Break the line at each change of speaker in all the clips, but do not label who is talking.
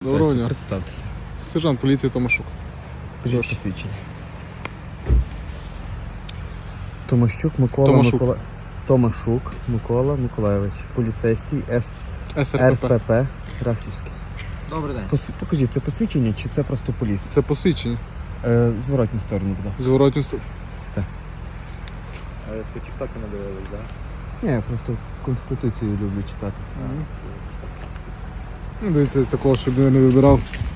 Доброго дня.
Представтеся.
Сержант поліції Томашук.
Покажіть посвідчення. Томашук Микола
Томашук.
Томашук Микола Миколайович. Поліцейський
СРПП.
РПП Рахівський.
Добрий день.
Покажіть, це посвідчення чи це просто поліс?
Це посвідчення.
Зворотню сторону, будь ласка.
Зворотню сторону.
А ви такі тіктоки не дивились, так?
Ні, я просто Конституцію люблю читати.
Ну, дивіться, такого, щоб я не вибирав.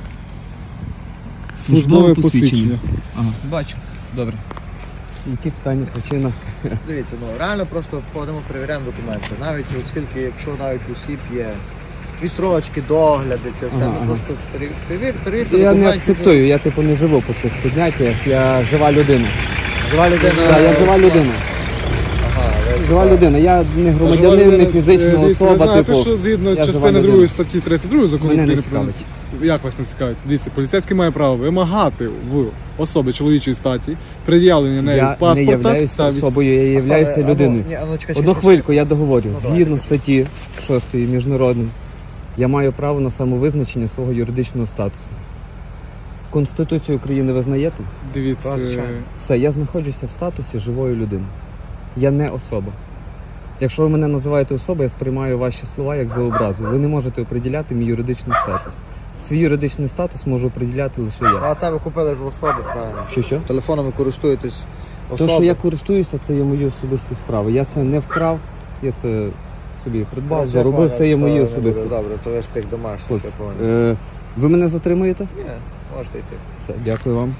Службове посвідчення.
Ага, бачу. Добре. Які питання, причина?
Дивіться, реально просто ходимо, перевіряємо документи. Навіть оскільки, якщо навіть у осіб є відстрочки, догляди, це все, ми просто перевірте
Я
документи.
не акцептую, я типу не живу по цих підняттях, я жива людина.
Жива людина.
Так, я жива людина.
Ага,
Жива людина, я не громадянин, не фізична
Дивіться, ви
особа,
знаєте,
типу.
що згідно
я жива
частини
людина.
2 статті 32 закону
Мене не
України про
цікавить.
як вас не цікавить? Дивіться, поліцейський має право вимагати в особи чоловічої статі пред'явлення нею
Я не
паспорта
являюся
та військового.
особою, я являюся людиною. Одну хвильку, я договорю. Згідно статті 6 міжнародної, я маю право на самовизначення свого юридичного статусу. Конституцію України ви знаєте?
Дивіться,
Так, звичайно.
Все, я знаходжуся в статусі живої людини. Я не особа. Якщо ви мене називаєте особою, я сприймаю ваші слова як за образу. Ви не можете оприділяти мій юридичний статус. Свій юридичний статус можу оприділяти лише я.
А це ви купили ж в особи, правильно?
Що?
Телефоном ви користуєтесь особи.
То, що я користуюся, це є мої особисті справи. Я це не вкрав, я це собі придбав, заробив, це є мої особисті.
Добре, то ви з тих домашніх, я
Хлопці,
понял.
ви мене затримуєте?
Ні, можете йти.
Все, дякую вам.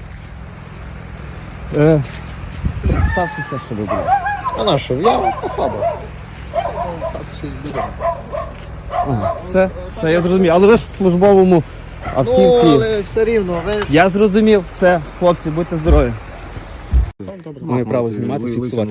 Представтеся, що ви, будь ласка.
А на що? Я особа. Так, щось буде.
Ага, все, я зрозумів. Але ви ж в службовому автівці.
Ну, але все рівно, ви ж...
Я зрозумів, все, хлопці, будьте здорові.
Добре.
Маю право знімати, фіксувати.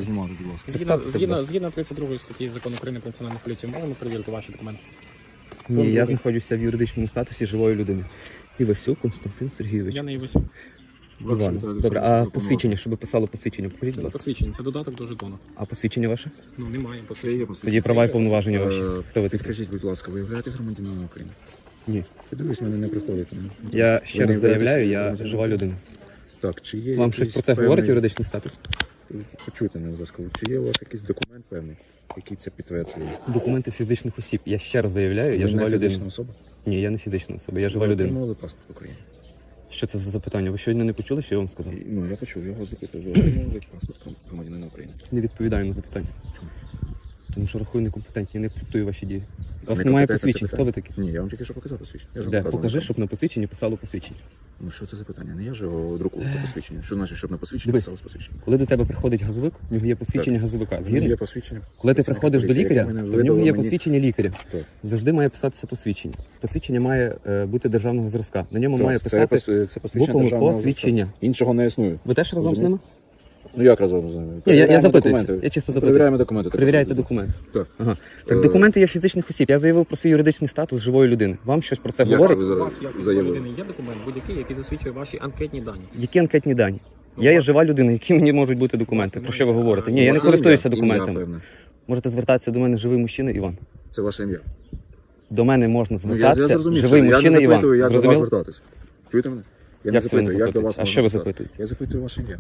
Згідно 32 статті Закону України про національну поліцію, можемо перевірити ваші документи?
Ні, я знаходжуся в юридичному статусі живої людини. Івасюк Константин Сергійович.
Я не Івасюк.
Іван. Добре, а посвідчення, щоб писало посвідчення, покажіть,
Це
будь
не
ласка.
посвідчення, це додаток до жетону.
А посвідчення ваше?
Ну, немає посвідчення.
Тоді права і повноваження ваші. Хто ви такі?
Підкажіть, будь ласка, ви являєтесь громадянином України?
Ні.
Подивись, мене не приходите.
Я ще раз
не
заявляю, я
являєтесь
жива людина.
Так, чи є
Вам щось
якийсь
про це
певний-
говорить юридичний статус?
Почуйте мене, будь ласка. Чи є у вас якийсь документ певний, який це підтверджує?
Документи фізичних осіб. Я ще раз заявляю, я
Ви
жива
не
людина.
фізична особа?
Ні, я не фізична особа, я жива
Ви
людина.
отримали паспорт України?
Що це за запитання? Ви щойно не почули, що я вам сказав?
Ну, я почув, я його запитав. Ви отримали паспорт громадянина України?
Не відповідаю на запитання.
Чому?
Тому що рахую некомпетентні, не акцептую ваші дії. У вас
Не
немає
компетенція
посвідчень.
це
Хто ви
питання.
такі?
Ні, я вам тільки що показав посвідчення. Я ж вам
Де?
показував
Покажи,
на
щоб на посвідченні писало посвідчення.
Ну, що це за питання? Не я ж його друкую, це посвідчення. Що значить, щоб на посвідченні
Дивись.
писалось посвідчення?
Коли до тебе приходить газовик, в нього є посвідчення газовика.
Є
Згідно?
посвідчення.
Коли ти
Працівника
приходиш до
поліції,
лікаря,
яке мене
то в нього
видало
є
мені-
посвідчення лікаря.
Так.
Завжди має писатися посвідчення. Посвідчення має бути державного зразка. На ньому
Так,
має писати
це посвідчення
буквами
державного
посвідчення.
зразка. Іншого не існує.
Ви теж разом з ними?
Ну як разом з ними?
Ні, я
Перевіряємо
запитуюся.
документи.
Я чисто
Перевіряємо
запитуюся.
документи.
Перевіряйте документи.
Так.
Ага. Так, документи є фізичних осіб. Я заявив про свій юридичний статус живої людини. Вам щось про це
Як
говорить?
це ви
У вас, як у
заявили?
людини, є документ будь-який, який засвідчує ваші анкетні дані.
Які анкетні дані? Я є жива людина, які мені можуть бути документи? Про що ви говорите? Ні, я не користуюся документами.
Ім'я,
Можете звертатися до мене живий мужчина Іван.
це ваше ім'я.
До мене можна
Ну, я
звертатися
зрозумів,
живий
що
мужчина
я не
Іван.
запитую, як до вас
Зрозуміло?
звертатися. Чуєте мене? Я не
Як це ви не
запитую, як до
запитуєте?
вас
А
можна
що ви
звертатися.
запитуєте?
Я запитую ваше ім'я.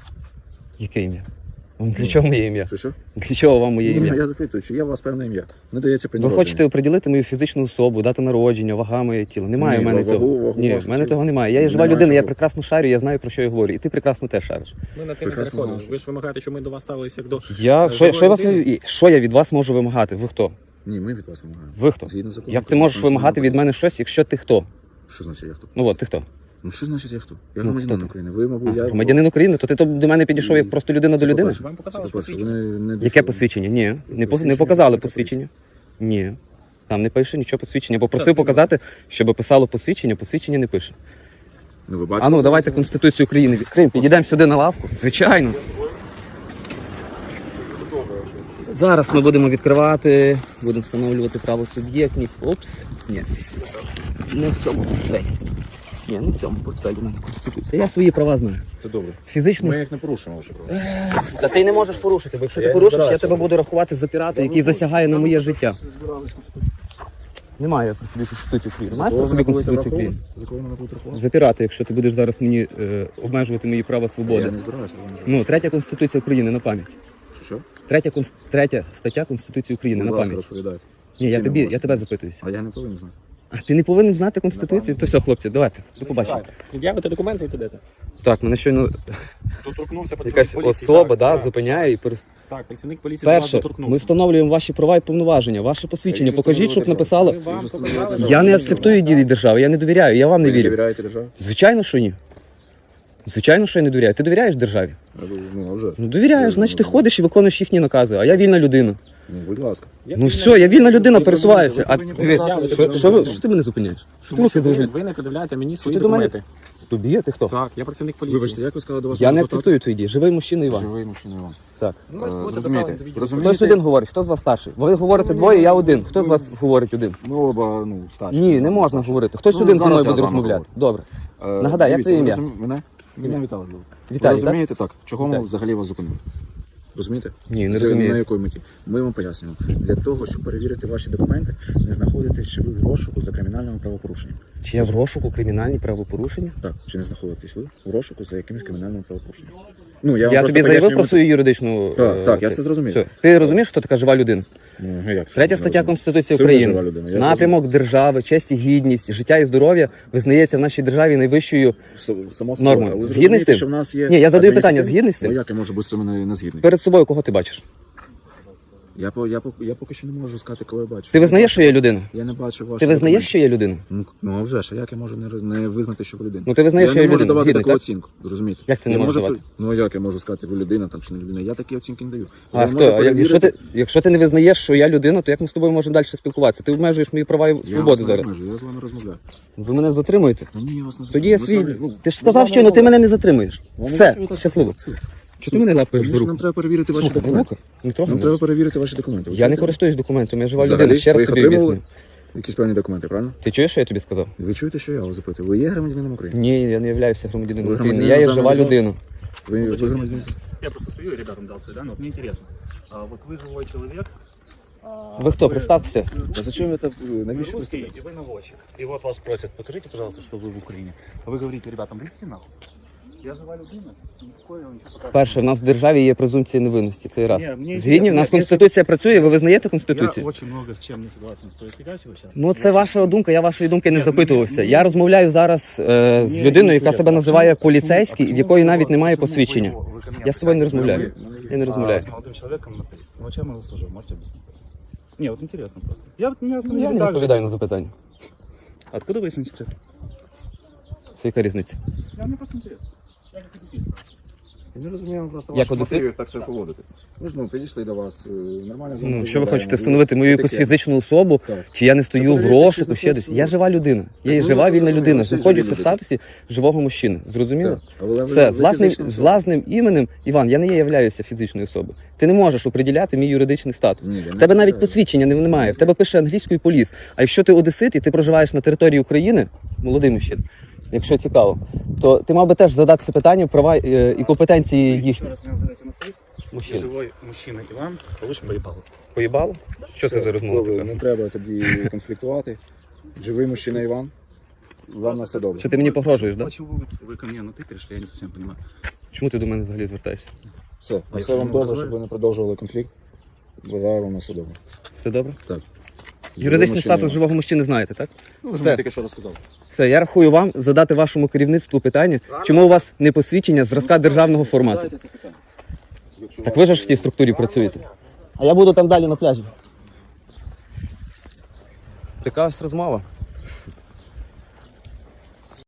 Яке ім'я? Для чого моє ім'я?
Що?
Для чого вам моє
Ні,
ім'я?
я запитую, чи є у вас певне ім'я. Не дається при
Ви
народженні.
хочете оприділити мою фізичну особу, дату народження, вага моє тіло. Немає
Ні,
в мене
вагу
цього. Ні,
вашого
в мене
тіла.
того немає. Я є жива
Немає
людина, я
чого.
прекрасно шарю, я знаю, про що я говорю. І ти прекрасно теж шариш.
Ми на те не
Прекрасно
переходимо.
знаю.
Ви ж вимагаєте, щоб ми до вас ставилися як до
Я
живої
що я вас
людини?
що я від вас можу вимагати? Ви хто?
Ні, ми від вас вимагаємо.
Ви хто?
Згідно закону
Як ти
України
можеш
про
вимагати від
національну
мене щось, якщо ти хто?
поліцію. Що значить я хто?
Ну от ти хто?
Ну що значить я хто? Я
Ну,
громадянин
хто ти?
України. Ви, мабуть, я...
Громадянин України, то ти до мене підійшов як просто людина до людини?
по-перше.
Вам показали ж
По-перше,
посвідчення?
вони не
Яке
дешеві.
посвідчення? Ні, не
Посвідчення
показали
працівника
посвідчення. Ні. Там не пише нічого посвідчення.
Так,
Попросив
це
показати, щоб писало посвідчення, посвідчення не пише.
Ну, ви бачите?
А ну давайте Конституцію України відкриємо, підійдемо сюди на лавку. Звичайно. Зараз ми будемо відкривати, будемо встановлювати правосуб'єктність. Опс. Ні. Не в цьому портфелі. Ні, не в цьому портфелі в мене Конституція. Я свої права знаю.
Це добре.
Фізичний.
Ми їх не порушуємо ваші права.
Та ти не можеш порушити, бо якщо
Я
ти
не
порушиш, я
збираюся.
тебе буду рахувати за пірата, який засягає на моє життя. Немає при собі Конституції України. Маєш
За
при
кого
собі
ви будете
Конституцію України?
враховувати? За кого мене будуть рахувати?
Запірати, якщо ти будеш зараз мені обмежувати мої права
Я
свободи.
не збираюся.
Ну, 3 Конституція України на пам'ять.
Що?
3 стаття Конституції України на
Будь ласка,
пам'ять.
розповідайте.
Ні,
Всі не
я
можна.
тебе запитуюся.
А я не повинен знати.
А ти не повинен знати Конституцію? То все, хлопці, давайте, до побачення.
Пред'явите документи і підете.
Так, мене щойно
Доторкнувся працівник
якась
поліції.
особа
так, так.
зупиняє і
Так, працівник поліції до вас
Перше,
доторкнувся.
ми встановлюємо ваші права і повноваження, ваше посвідчення.
Я
Покажіть, щоб написало.
Ми вам показали, що
Я
ви
не акцептую дії держави, я не довіряю, я вам не
Ви
вірю.
довіряєте державі?
Звичайно, що ні. Звичайно, що я не довіряю. Ти довіряєш державі?
Ну, а вже.
Ну довіряєш, значить ти ходиш і виконуєш їхні накази, а я вільна людина.
Ну, будь ласка.
Ну все, я вільна людина, пересуваюся. А
повинні
дивись,
показати,
що ти мене зупиняєш? Що ти
Тому
руки
що
завжди?
ви не пред'являєте мені свої
ти до мене-
документи.
Тобі? Ти хто?
Так, я працівник поліції.
Вибачте, як ви сказали до вас?
Я не
звертатися?
акцептую твої дії. Живий мужчина Іван.
Живий мужчина Іван.
Так.
Ну, ви ж будете
Розумієте?
доставлені до
Розумієте?
Хтось один говорить, хто з вас старший? Ви говорите двоє, я один. Хто з вас говорить один?
Ми оба, ну, старші.
Ні, не можна говорити. Хтось
Ну,
один зі
зараз
мною
я
буде
з вами
розмовляти.
говорю.
Добре. Нагадай, як
дивіться,
твоє
ви
ім'я?
Мене Віталій.
Віталій,
Ви розумієте так? Чого ми
Віталій.
взагалі вас зупинили? Розумієте?
Ні, не
На
розумію.
якої меті? Ми вам пояснюємо. Для того, щоб перевірити ваші документи, не знаходитесь чи ви в розшуку за кримінальним правопорушенням.
Чи я в розшуку кримінальні правопорушення?
Так, чи не знаходитесь ви в розшуку за якимось кримінальним правопорушенням? Ну, я вам
Я
просто
тобі заявив
пояснюю
про
мету.
свою юридичну...
Так, я це зрозумів.
Все. Ти розумієш, хто така жива людина?
Ну, а як це?
3
Я
стаття
розумію.
Конституції
Це ви жива
України.
людина, я
Напрямок держави, честь і гідність, життя і здоров'я визнається в нашій державі найвищою.
Само собою.
Нормою.
Але ви
Згідний з
зрозумієте,
цим?
що в нас є...
Ні, я задаю питання,
адміністративні-
згідний з цим?
Ну, як я можу бути з цим не згідний?
Перед собою кого ти бачиш?
Я поки що не можу сказати, кого я бачу.
Ти визнаєш, що я людина?
Я не бачу вашого...
Ти визнаєш, що я людина?
Ну, а вже ж, а як я можу не визнати, що ви людина?
Ну ти визнаєш, що я
не можу
людина.
давати
Згідний,
таку
так?
оцінку, розумієте?
Як ти не
Я
можеш
можу-
давати?
Ну, як я можу сказати, ви людина там чи не людина? Я такі оцінки не даю.
А
Я
хто?
можу
А
перевірити-
якщо ти не визнаєш, що я людина, то як ми з тобою можемо далі спілкуватися? Ти обмежуєш мої права і
Я
свободи
вас не
зараз.
обмежую, я з вами розмовляю.
Ви мене затримуєте?
Та ні, я вас не
Тоді я
затримую.
свій.
Ми з вами-
Ти ж
ми з
сказав,
вами
що ну ти
розмовляємо.
мене не затримуєш.
Я не
Все,
бачу, ви так
щасливо.
сказали.
Чого ти мене лапаєш
Тому
за
що нам
руку?
треба перевірити ваші
Слухай,
документи.
не трогай
Нам
мене.
треба перевірити ваші документи. Ви
Я не
чуєте?
користуюсь документами, я жива
Взагалі,
людина. Ще
ви
раз
їх
тобі
отримували?
об'ясню.
Якісь певні документи, правильно?
Ти чуєш, що я тобі сказав?
Ви чуєте, що я вас запитую? Ви є громадянином України?
Ні, я не являюся громадянином
Ви
України.
громадянин
Я є
іноземного
жива
держави?
людина.
Ви громадянин?
Я просто стою и ребятам дал свой, да, но вот мне интересно. Вот вы живой человек.
Ви хто? Представтеся.
Та зачем це?
Вы
Навіщо ви
русский, и вы наводчик. И вот вас просят, покажите, пожалуйста, что вы в Украине. А вы говорите, ребятам, идите нахуй. Я жива людина, никакой вам ничего показывать.
Перше, в нас в державі є презумпція невинності. Цей раз.
Ні, мені
Згідні, в нас
інтересно,
Конституція працює, ви визнаєте
Я
Конституцію?
очень много с чем не согласен с происходящего сейчас.
Ну, це ваша думка, я вашої думки не
Ні,
запитувався.
мені-
Я розмовляю зараз з
Мне
людиною, яка
интересно,
себе
а
називає
почему-
поліцейський,
а
в якої
почему
навіть
вы-
немає
почему
посвідчення.
вы ко мне
Я з тобою не
обращаетесь?
розмовляю. Я не розмовляю.
С молодым человеком на ты. Ну, чем я заслужил, можете объяснить? Не, вот интересно просто. Я вот меня
Ну,
остановили
я не
так же.
відповідаю на запитання.
Откуда вы, если не секрет?
Це яка різниця?
Я мне просто интересно. Я как одессит.
Я не розумію просто
Як
ваших
одесит?
мотивів так себе поводити. Ми ж підійшли до вас, нормально з вами
Ну, що ви
розмовляємо.
хочете встановити мою якусь
Таке.
фізичну особу?
Так.
Чи я не стою в
перевірте,
розшуку,
чи
ще десь?
знаходиться
Я
в
жива людина. Я є
ну,
жива
це
вільна
зрозуміло,
людина.
всі
Знаходжусь
живі
в
люди.
статусі живого мужчини. Зрозуміло?
Так. Але ви-
Все,
ви
з власним,
фізична
з
особа.
власним іменем, Іван, я не являюся фізичною особою. Ти не можеш оприділяти мій юридичний статус.
Ні, я не
В тебе навіть
відповідаю.
посвідчення немає. В тебе пише англійською поліс. А якщо ти одесит і ти проживаєш на території України, молодий мужчина, якщо цікаво, то ти мав би теж задатися питанням права і компетенції
Еще
їхніх
раз меня называйте на ты.
мужчин.
Живой мужчина Иван, получим поебалу.
Поїбало? Що це за розмова
Добре,
така?
Не треба тоді конфліктувати. Живий мужчина Іван. Вам на все добре.
Що ти мені погрожуєш, так? Да?
Почему вы ко мне на ты перешли, я не совсем понимаю.
Чому ти до мене взагалі звертаєшся?
Все, на
якщо
все вам
ми
добре,
дозволите?
щоб ви не продовжували конфлікт. Бажаю вам на все добре.
Все добре?
Так.
Юридичний
мужчина
статус
Іван.
живого мужчини знаєте, так?
Ну, ви
Все.
мені тільки що розказав.
Все, я рахую вам задати вашому керівництву питання, чому у вас не посвідчення зразка державного формату.
Задайте це питання. Якщо
Так
вас-
ви ж в цій структурі працюєте. А я буду там далі на пляжі. Така ось розмова.